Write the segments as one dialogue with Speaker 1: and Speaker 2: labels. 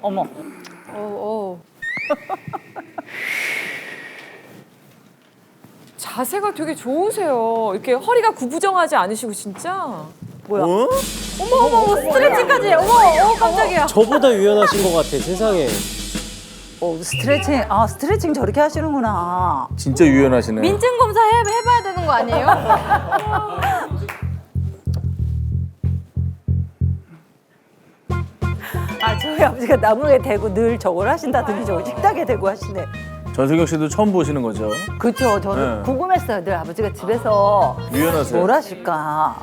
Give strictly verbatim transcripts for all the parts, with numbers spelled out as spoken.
Speaker 1: 어머.
Speaker 2: 어, 어.
Speaker 3: 자세가 되게 좋으세요. 이렇게 허리가 구부정하지 않으시고 진짜.
Speaker 1: 뭐야?
Speaker 4: 어?
Speaker 2: 어머 어머 어머 스트레칭까지. 어머 어 깜짝이야.
Speaker 4: 저보다 유연하신 것 같아, 세상에.
Speaker 1: 어, 스트레칭. 아, 스트레칭 저렇게 하시는구나.
Speaker 5: 진짜 유연하시네.
Speaker 2: 민증 검사 해, 해봐야 되는 거 아니에요?
Speaker 1: 아, 저희 아버지가 나무에 대고 늘 저걸 하신다더니 저 식탁에 대고 하시네.
Speaker 5: 전세경 씨도 처음 보시는 거죠?
Speaker 1: 그렇죠. 저는
Speaker 5: 네.
Speaker 1: 궁금했어요. 늘 아버지가 집에서
Speaker 5: 유연하세요.
Speaker 1: 뭘 하실까.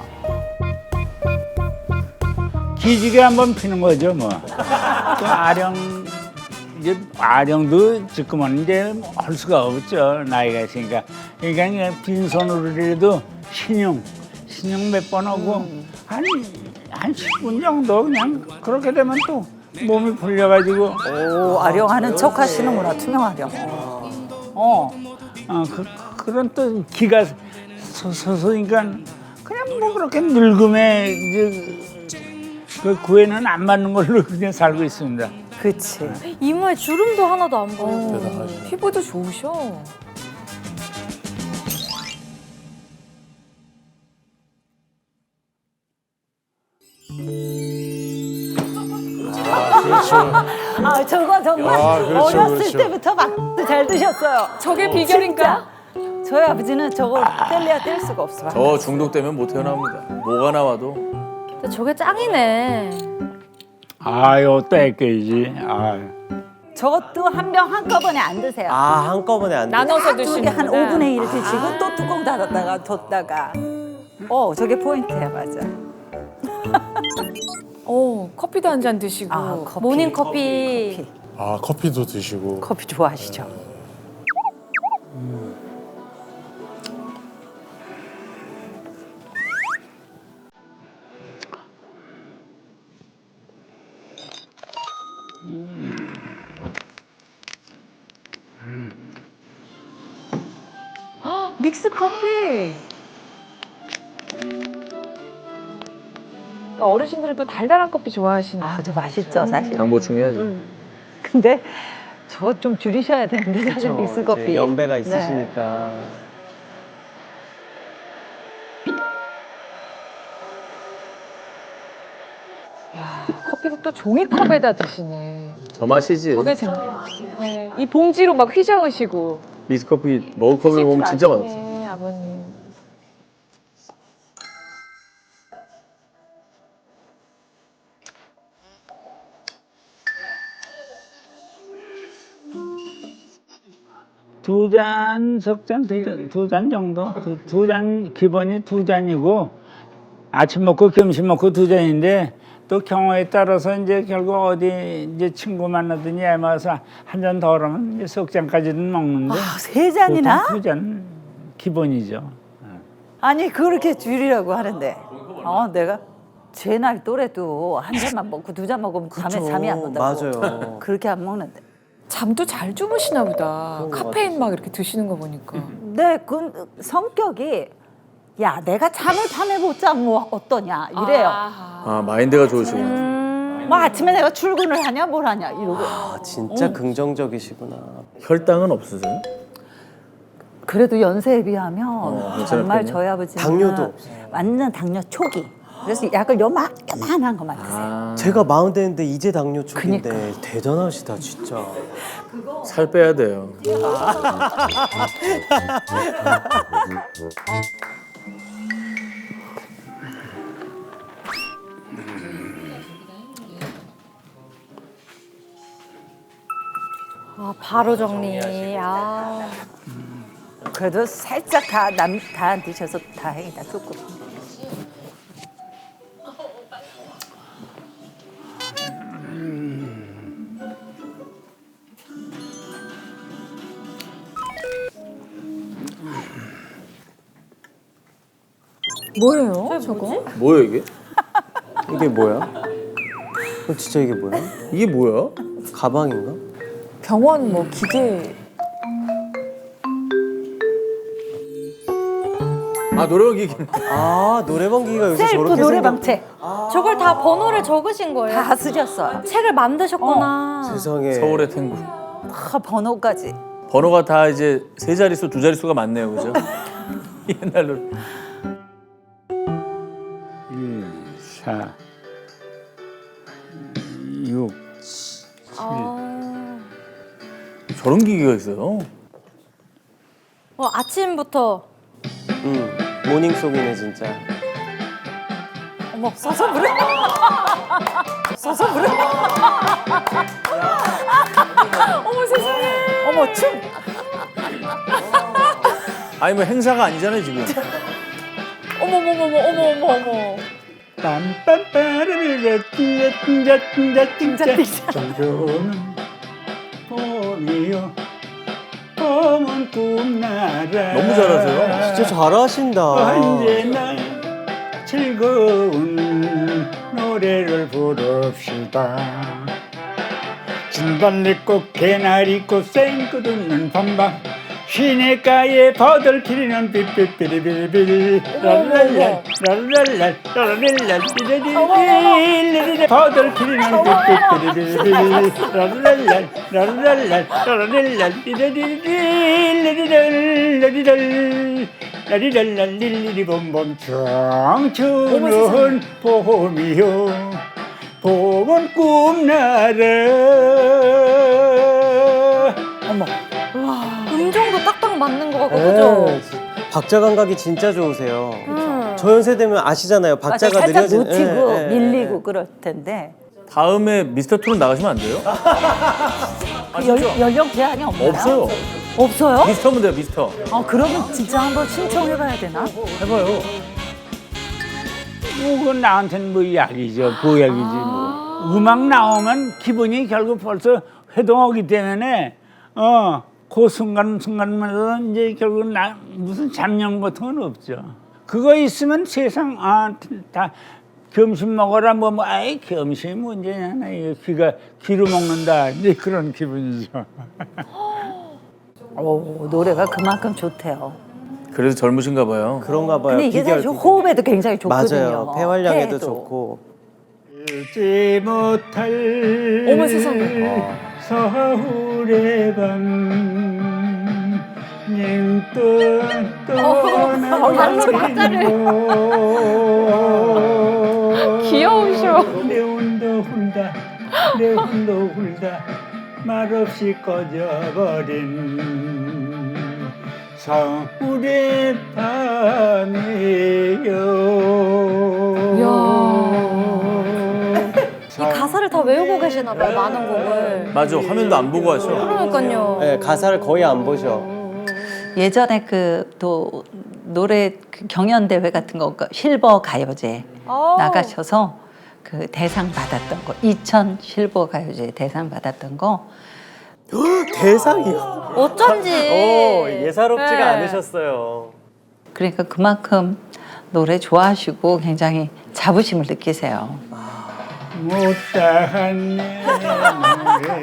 Speaker 6: 기지개 한번 피는 거죠, 뭐. 또 아령, 이제 아령도 지금은 이제 할 수가 없죠. 나이가 있으니까. 그러니까 그냥 빈손으로라도 신용, 신용 몇 번 하고, 한, 한 십 분 정도 그냥 그렇게 되면 또 몸이 풀려가지고,
Speaker 1: 오, 아령하는 척 하시는구나. 투명 아령. 어.
Speaker 6: 어, 그, 그런 또 기가 서- 서서니까 그냥 뭐 그렇게 늙음에 이제 그 구애는 안 맞는 걸로 그냥 살고 있습니다.
Speaker 1: 그치.
Speaker 2: 이마에 주름도 하나도 안 보여.
Speaker 3: 어, 피부도 좋으셔.
Speaker 1: 아, 저거 정말
Speaker 7: 아, 그렇죠,
Speaker 1: 어렸을
Speaker 7: 그렇죠.
Speaker 1: 때부터 막 잘 드셨어요.
Speaker 3: 저게 비결인가?
Speaker 1: 진짜. 저희 아버지는 저거 뗄래야 뗄 수가 없어.
Speaker 5: 저 중독되면 못 태어납니다. 뭐가 나와도.
Speaker 2: 근데 저게 짱이네.
Speaker 6: 아유, 또 애껴야지. 아유.
Speaker 1: 저것도 한 병 한꺼번에 안 드세요.
Speaker 4: 아, 한꺼번에 안 돼.
Speaker 3: 나눠서
Speaker 1: 두개
Speaker 3: 드시는
Speaker 1: 한 오분의 일을 드시고 또 뚜껑 닫았다가 뒀다가. 어, 저게 포인트야, 맞아.
Speaker 3: 어, 커피도 한 잔 드시고.
Speaker 1: 아, 커피.
Speaker 2: 모닝 커피.
Speaker 1: 커피.
Speaker 7: 아, 커피도 드시고.
Speaker 1: 커피 좋아하시죠?
Speaker 3: 믹스 커피. 어르신들은 또 달달한 커피 좋아하시나?
Speaker 1: 아, 저 맛있죠, 사실.
Speaker 5: 당 보충해야죠.
Speaker 1: 근데 저거 좀 줄이셔야 되는데, 사실 믹스 커피.
Speaker 4: 이제 연배가
Speaker 1: 네.
Speaker 4: 있으시니까.
Speaker 3: 커피도 또 종이컵에다 드시네.
Speaker 5: 저 맛이지.
Speaker 3: 저게 재 네. 이 봉지로 막 휘저으시고.
Speaker 5: 미스커피, 머그컵을 보면 진짜 맛없어.
Speaker 3: 네, 아버님.
Speaker 6: 두 잔, 석 잔, 두 잔 정도? 두 잔, 기본이 두 잔이고, 아침 먹고 점심 먹고 두 잔인데, 또 경우에 따라서 이제 결국 어디 이제 친구 만나더니 애마서 한 잔 더 하면 이제 석 잔까지는 먹는데,
Speaker 1: 아, 세 잔이나?
Speaker 6: 두 잔 기본이죠.
Speaker 1: 아니, 그렇게 줄이라고 하는데. 어, 내가 제 나이 또래도 한 잔만 먹고 두 잔 먹으면 밤에
Speaker 4: 그쵸.
Speaker 1: 잠이 안 온다고.
Speaker 4: 맞아요.
Speaker 1: 그렇게 안 먹는데.
Speaker 3: 잠도 잘 주무시나 보다.
Speaker 4: 그런 것
Speaker 3: 카페인 막 이렇게 드시는 거 보니까.
Speaker 1: 네, 그 성격이 야, 내가 잠을 밤에 못 자면 뭐 어떠냐 이래요.
Speaker 3: 아하.
Speaker 5: 아, 마인드가 좋으시구나.
Speaker 1: 음, 뭐 아침에 내가 출근을 하냐 뭘 하냐 이러고.
Speaker 4: 아, 진짜 긍정적이시구나.
Speaker 5: 혈당은 없으세요?
Speaker 1: 그래도 연세에 비하면
Speaker 5: 괜찮을
Speaker 1: 정말
Speaker 5: 편이요?
Speaker 1: 저희 아버지는
Speaker 4: 당뇨도 없어요.
Speaker 1: 완전 당뇨 초기. 그래서 약을 요만 요만한 것만 드세요.
Speaker 5: 아,
Speaker 4: 제가 마흔 대인데 이제 당뇨 초기인데
Speaker 1: 그니까.
Speaker 4: 대단하시다, 진짜.
Speaker 5: 살 빼야 돼요.
Speaker 2: 아 바로 정리. 아.
Speaker 1: 그래도 살짝 다 남 다 안 드셔서 다행이다 조금.
Speaker 3: 뭐예요, 저거?
Speaker 5: 뭐야 이게?
Speaker 4: 이게 뭐야? 어, 진짜 이게 뭐야?
Speaker 5: 이게 뭐야?
Speaker 4: 가방인가?
Speaker 3: 병원 뭐 기계.
Speaker 5: 아, 노래방 기계.
Speaker 4: 아, 노래방 기기가 요새
Speaker 1: 셀프
Speaker 4: 저렇게
Speaker 1: 노래방책.
Speaker 4: 생겼... 아,
Speaker 2: 저걸 다 번호를 적으신 거예요?
Speaker 1: 다 쓰셨어요.
Speaker 2: 책을 만드셨구나.
Speaker 7: 세상에.
Speaker 5: 서울의 탱고.
Speaker 1: 다 번호까지.
Speaker 5: 번호가 다 이제 세 자릿수, 두 자릿수가 많네요, 그죠? 옛날로.
Speaker 6: 일, 사, 육,
Speaker 2: 아.
Speaker 5: 저런 기계가 있어요.
Speaker 2: 어, 아침부터
Speaker 4: 응. 모닝송이네 진짜.
Speaker 1: 어머 써서 부르. 써서 부르.
Speaker 3: 어머 세상에.
Speaker 1: 어머 춤.
Speaker 5: 아니 뭐 행사가 아니잖아요 지금.
Speaker 3: 어머머머머 어머 어머 어머.
Speaker 6: 빰빰빠르르르 띵자 띵자 띵자 띵자 정겨운 봄이요 봄은 꿈나라
Speaker 5: 너무 잘하세요.
Speaker 4: 진짜 잘하신다.
Speaker 6: 언제나 즐거운 노래를 부릅시다 진달래꽃 개나리꽃 생꽃 웃는 밤밤 시냇가에 버들 피리는 삐삐삐리비리비리 랄랄랄 랄랄랄 랄랄랄 삐리리리리리리 버들 피리는 삐삐삐리비리비리 랄랄랄 랄랄랄 랄랄랄 삐리리리리리리리리리리리 라리랄랄리리리 봄봄 청춘은 봄이요 봄은 꿈나라
Speaker 1: 어머.
Speaker 2: 음정도 딱딱 맞는 것 같고
Speaker 4: 네,
Speaker 2: 그죠?
Speaker 4: 박자 감각이 진짜 좋으세요.
Speaker 2: 음.
Speaker 4: 저 연세 되면 아시잖아요.
Speaker 1: 맞아,
Speaker 4: 박자가
Speaker 1: 살짝
Speaker 4: 느려진.
Speaker 1: 놓치고
Speaker 4: 예, 예,
Speaker 1: 밀리고 그럴 텐데.
Speaker 5: 다음에 미스터 트롯 나가시면 안 돼요?
Speaker 1: 그 연, 연령 제한이 없나요?
Speaker 5: 없어요.
Speaker 1: 없어요?
Speaker 5: 미스터면 돼요, 미스터.
Speaker 1: 아 그러면 진짜 한번 신청해봐야 되나?
Speaker 5: 해봐요.
Speaker 6: 뭐 그건 나한테는 뭐 약이죠, 보약이지 뭐. 음악 나오면 기분이 결국 벌써 회동하기 때문에 어, 그 순간 순간마다 이제 결국 나 무슨 잡념 같은 건 없죠. 그거 있으면 세상 아 다 점심 먹어라 뭐 뭐 아이 점심이 문제냐 나 이거 귀가 귀로 먹는다 이제 그런 기분이죠.
Speaker 1: 오, 노래가 그만큼 좋대요.
Speaker 5: 그래서 젊으신가 봐요.
Speaker 4: 그런가 봐요.
Speaker 1: 근데 이게
Speaker 4: 비결,
Speaker 1: 사실
Speaker 4: 비결.
Speaker 1: 호흡에도 굉장히 좋거든요.
Speaker 4: 맞아요. 폐활량에도
Speaker 1: 폐에도.
Speaker 4: 좋고.
Speaker 6: 잊지 못할
Speaker 3: 어머, 세상에.
Speaker 6: 서울의 밤 닝뜬 떠나는
Speaker 3: 귀여우셔.
Speaker 6: 내 혼도 훌다 내 혼도 훌다 말없이 꺼져버린 서울의 밤이요.
Speaker 2: 이 가사를 다 외우고 계시나 봐요, 많은 곡을.
Speaker 5: 맞아, 화면도 안 보고 하셔.
Speaker 2: 그러니까요.
Speaker 4: 네, 가사를 거의 안 보셔.
Speaker 1: 예전에 그 또 노래 그 경연 대회 같은 거 그 실버 가요제
Speaker 2: 아.
Speaker 1: 나가셔서 그 대상 받았던 거 이천 실버 가요제 대상 받았던 거
Speaker 4: 대상이요.
Speaker 2: 어쩐지.
Speaker 4: 오, 예사롭지가
Speaker 2: 네.
Speaker 4: 않으셨어요.
Speaker 1: 그러니까 그만큼 노래 좋아하시고 굉장히 자부심을 느끼세요.
Speaker 6: 못다한 내 노래가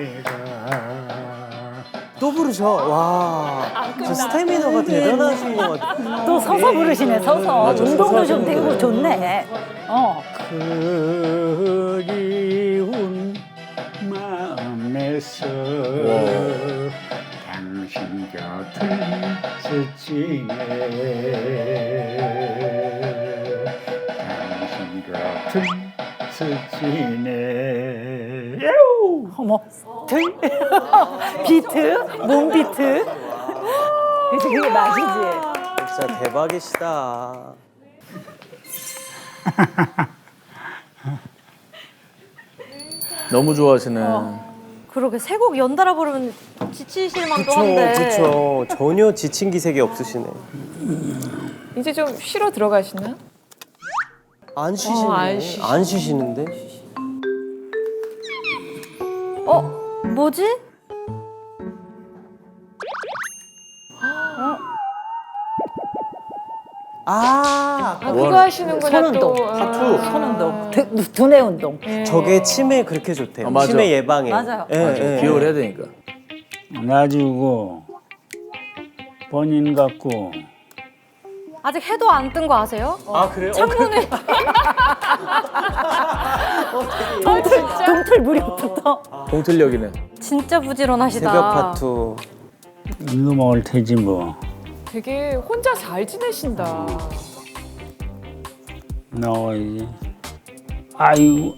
Speaker 4: 또 부르셔. 와, 저 스태미너가 대단하신 것 같아요.
Speaker 1: 또 서서 부르시네 서서.
Speaker 5: 맞아,
Speaker 1: 운동도
Speaker 5: 서서
Speaker 1: 좀 되고
Speaker 5: 부르고.
Speaker 1: 좋네. 어.
Speaker 6: 그리운 마음에서 당신 곁을 스치네 당신 곁을 스치네 야우!
Speaker 1: 어머 들 비트 몸 비트. 그래서 그게 맛이지.
Speaker 4: 진짜 대박이시다.
Speaker 5: 너무 좋아하시네.
Speaker 2: 그러게 세 곡 연달아 부르면 지치실 만도
Speaker 4: 그쵸,
Speaker 2: 한데.
Speaker 4: 그쵸. 전혀 지친 기색이 없으시네.
Speaker 3: 이제 좀 쉬러 들어가시나?
Speaker 4: 안 쉬시네.
Speaker 3: 어, 안 쉬시-
Speaker 4: 안 쉬시는데?
Speaker 2: 어? 뭐지?
Speaker 4: 아,
Speaker 3: 아 그거 하시는구나
Speaker 1: 손운동,
Speaker 3: 또. 아.
Speaker 4: 타투.
Speaker 1: 손운동, 두- 두뇌 운동.
Speaker 4: 저게 치매 그렇게 좋대요.
Speaker 5: 아, 맞아.
Speaker 4: 치매 예방에.
Speaker 1: 맞아요.
Speaker 4: 예, 예.
Speaker 5: 기억을 해야 되니까.
Speaker 6: 놔주고 본인 같고
Speaker 2: 아직 해도 안 뜬 거 아세요?
Speaker 4: 아, 그래요? 어,
Speaker 2: 창문에
Speaker 1: 동틀, 동틀 무렵부터.
Speaker 5: 동틀력이네.
Speaker 2: 진짜 부지런하시다.
Speaker 4: 새벽 파투.
Speaker 6: 이거 먹을 테지 뭐.
Speaker 3: 되게 혼자 잘 지내신다.
Speaker 6: 나와야지. 아이고.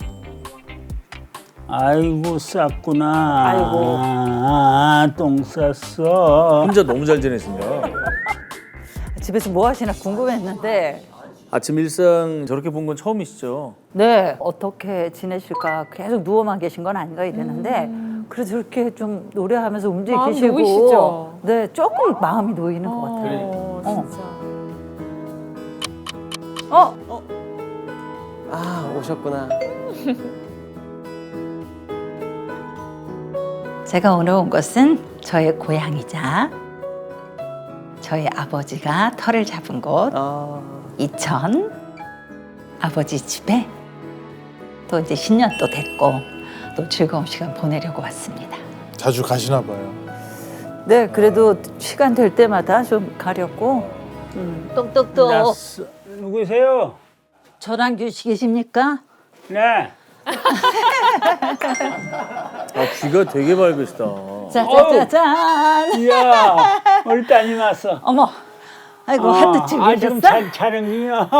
Speaker 6: 아이고 쌌구나.
Speaker 1: 아이고.
Speaker 6: 아, 똥 쌌어.
Speaker 5: 혼자 너무 잘 지내신다.
Speaker 1: 집에서 뭐 하시나 궁금했는데
Speaker 5: 아침 일상 저렇게 본 건 처음이시죠?
Speaker 1: 네 어떻게 지내실까 계속 누워만 계신 건 아닌가 이랬는데 그래도 저렇게 좀 노래하면서
Speaker 3: 마음이
Speaker 1: 움직이시고
Speaker 3: 놓이시죠?
Speaker 1: 네 조금 마음이 놓이는 것 같아요.
Speaker 3: 어,
Speaker 1: 어.
Speaker 3: 진짜.
Speaker 1: 어
Speaker 4: 아, 오셨구나.
Speaker 1: 제가 오늘 온 것은 저의 고향이자 저희 아버지가 터를 잡은 곳
Speaker 4: 아,
Speaker 1: 이천 아버지 집에 또 이제 신년도 됐고 또 즐거운 시간 보내려고 왔습니다.
Speaker 7: 자주 가시나 봐요.
Speaker 1: 네, 그래도 시간 될 때마다 좀 가려고. 음, 똑똑똑.
Speaker 6: 났어. 누구세요?
Speaker 1: 전환규 씨 계십니까?
Speaker 6: 네.
Speaker 5: 아 귀가 되게 밝으시다.
Speaker 1: 짜자자잔.
Speaker 6: 이야, 우리 따님 왔어.
Speaker 1: 어머, 아이고
Speaker 6: 어,
Speaker 1: 하트 치고
Speaker 6: 아, 지금
Speaker 1: 계셨어?
Speaker 6: 촬- 촬영 중이야.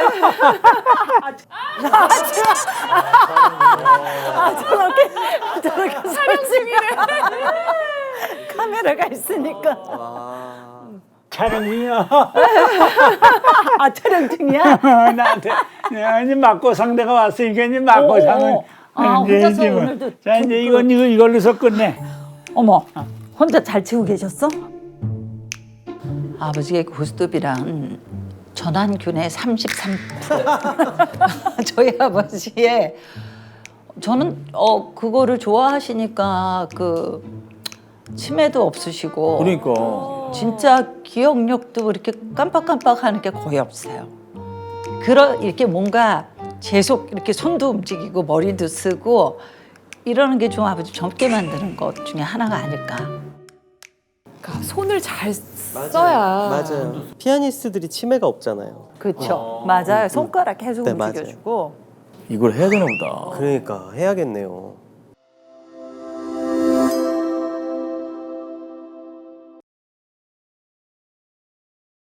Speaker 1: 아 저렇게 저렇게 촬영 중이래. 카메라가 있으니까.
Speaker 4: 와.
Speaker 6: 촬영 중이야.
Speaker 1: 아 촬영 중이야?
Speaker 6: 나한테 내가 이제 맞고 상대가 왔으니까 이제 맞고
Speaker 1: 오,
Speaker 6: 상은
Speaker 1: 아,
Speaker 6: 이제
Speaker 1: 혼자서
Speaker 6: 이제 뭐.
Speaker 1: 오늘도
Speaker 6: 자
Speaker 1: 좀
Speaker 6: 이제 이건 이거 이걸로서 끝내.
Speaker 1: 어머, 혼자 잘 치고 계셨어? 아버지의 고스톱이랑 전환균의 삼십삼 퍼센트 저희 아버지의 저는 어 그거를 좋아하시니까 그 치매도 없으시고
Speaker 5: 그러니까
Speaker 1: 진짜 기억력도 이렇게 깜빡깜빡하는 게 거의 없어요. 그러 이렇게 뭔가 계속 이렇게 손도 움직이고 머리도 쓰고 이러는 게 좀 아버지 젊게 만드는 것 중에 하나가 아닐까.
Speaker 3: 그러니까 손을 잘 써야.
Speaker 4: 맞아요. 피아니스트들이 치매가 없잖아요.
Speaker 1: 그렇죠. 맞아요. 손가락 계속
Speaker 4: 네, 맞아요.
Speaker 1: 움직여주고.
Speaker 5: 이걸 해야 되나 보다.
Speaker 4: 그러니까 해야겠네요.